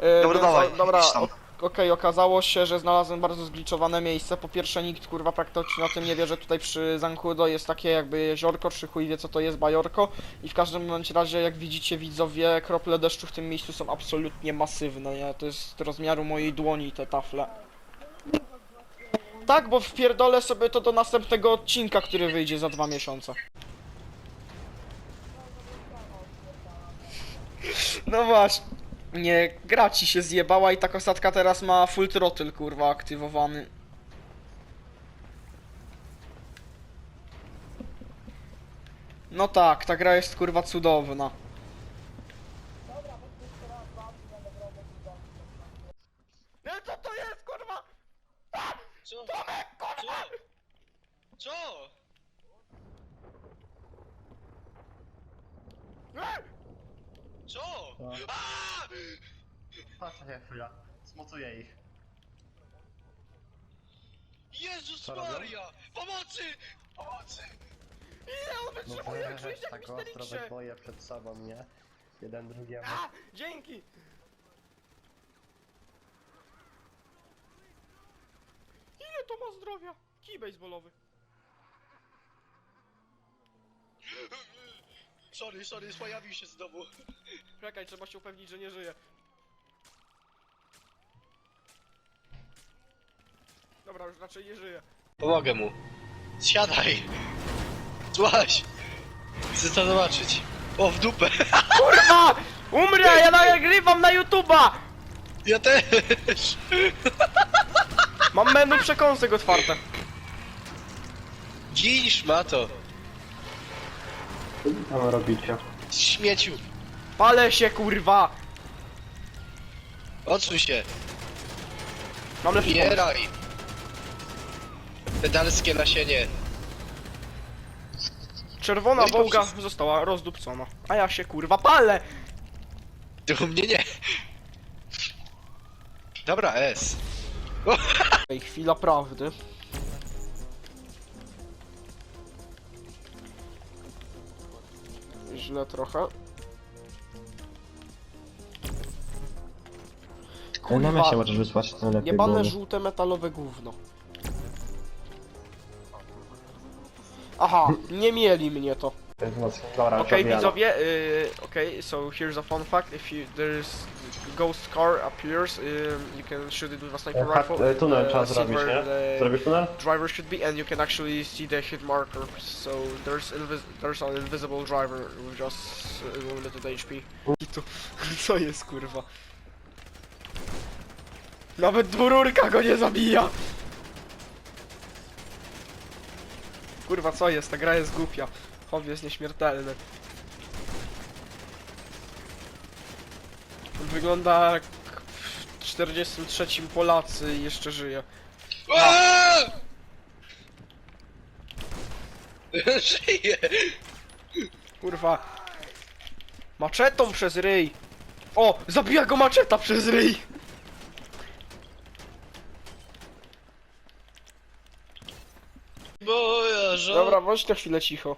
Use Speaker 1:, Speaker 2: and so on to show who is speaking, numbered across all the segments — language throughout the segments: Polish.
Speaker 1: Dobra, dawaj,
Speaker 2: Dobra,
Speaker 1: idź tam.
Speaker 2: okej, okazało się, że znalazłem bardzo zgliczowane miejsce. Po pierwsze, nikt kurwa praktycznie o tym nie wie, że tutaj przy Zancudo jest takie jakby jeziorko, czy chuj wie co to jest bajorko. I w każdym bądź razie, jak widzicie widzowie, krople deszczu w tym miejscu są absolutnie masywne, nie? To jest rozmiaru mojej dłoni te tafle. Tak, bo wpierdolę sobie to do następnego odcinka, który wyjdzie za 2 miesiące. No właśnie. Nie, gra ci się zjebała i ta kosatka teraz ma full throttle, kurwa, aktywowany. No tak, ta gra jest kurwa cudowna. No co to jest, kurwa?
Speaker 3: Co?
Speaker 2: Tomek, kurwa!
Speaker 3: Co? Co? Aaaa!
Speaker 1: Patrzcie chwila, zmocuję ich.
Speaker 3: Jezus
Speaker 1: Co robią?
Speaker 3: Maria! Pomocy! Pomocy!
Speaker 2: Ile on wytrzymuje, jak czujesz jak
Speaker 1: tak
Speaker 2: w Misteriksie?
Speaker 1: boję przed sobą, nie? Jeden drugiemu.
Speaker 2: A, dzięki! Ile to ma zdrowia? Kij baseballowy.
Speaker 3: Sorry, pojawił się znowu.
Speaker 2: Czekaj, trzeba się upewnić, że nie żyje. Dobra, już raczej nie żyje.
Speaker 3: Pomogę mu. Siadaj! Złaź! Chcę to zobaczyć. O, w dupę!
Speaker 2: Kurwa! Umrę, ja nagrywam na YouTube'a!
Speaker 3: Ja też!
Speaker 2: Mam menu przekąsek otwarte.
Speaker 3: Gin szmato!
Speaker 1: Co tam robicie?
Speaker 3: Śmieciu!
Speaker 2: Palę się, kurwa!
Speaker 3: Odsuń się!
Speaker 2: Mam lepszy pomysł.
Speaker 3: Bieraj! Pedalskie nasienie!
Speaker 2: Czerwona
Speaker 3: No i
Speaker 2: wołga
Speaker 3: dobrze.
Speaker 2: została rozdupcona. A ja się, kurwa, palę!
Speaker 3: Ty u mnie nie! Dobra, S.
Speaker 2: Ej, chwila prawdy. Źle trochę.
Speaker 4: Na mesie możesz wysłać, to lepiej
Speaker 2: Jebane
Speaker 4: było.
Speaker 2: żółte metalowe gówno. Aha, nie mieli mnie to.
Speaker 1: To jest mocno. Dobra,
Speaker 2: Okej,
Speaker 1: zabijamy.
Speaker 2: widzowie, okej, so here's a fun fact. If there's ghost car appears, you can shoot it with a sniper rifle.
Speaker 1: Tunel trzeba
Speaker 2: see
Speaker 1: zrobić,
Speaker 2: where
Speaker 1: nie?
Speaker 2: the
Speaker 1: Zrobisz tunel?
Speaker 2: driver should be, and you can actually see the hit marker. So there's an invisible driver with just limited HP. I to, co jest, kurwa? Nawet dwururka go nie zabija! Kurwa, co jest? Ta gra jest głupia. Hobby jest nieśmiertelny. Wygląda jak w 43 Polacy i jeszcze żyje.
Speaker 3: Aaaa! Żyję!
Speaker 2: Kurwa. Maczetą przez ryj. O! Zabija go maczeta przez ryj!
Speaker 3: Moja żona...
Speaker 2: Dobra, bądź na chwilę cicho.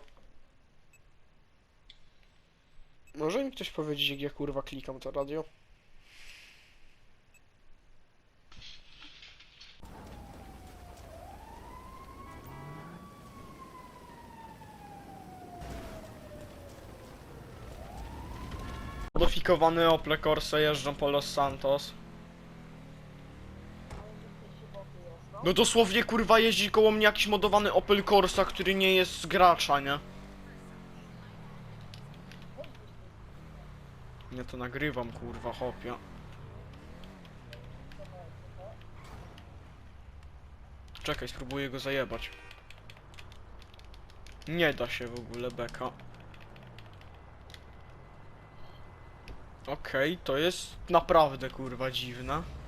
Speaker 2: Może mi ktoś powiedzieć, jak ja kurwa klikam to radio? Modyfikowany Opel Corsa jeżdżą po Los Santos. No dosłownie kurwa jeździ koło mnie jakiś modowany Opel Corsa, który nie jest z gracza, nie? Ja to nagrywam, kurwa, hopia. Czekaj, spróbuję go zajebać. Nie da się w ogóle, beka. Okej, to jest naprawdę, kurwa, dziwne.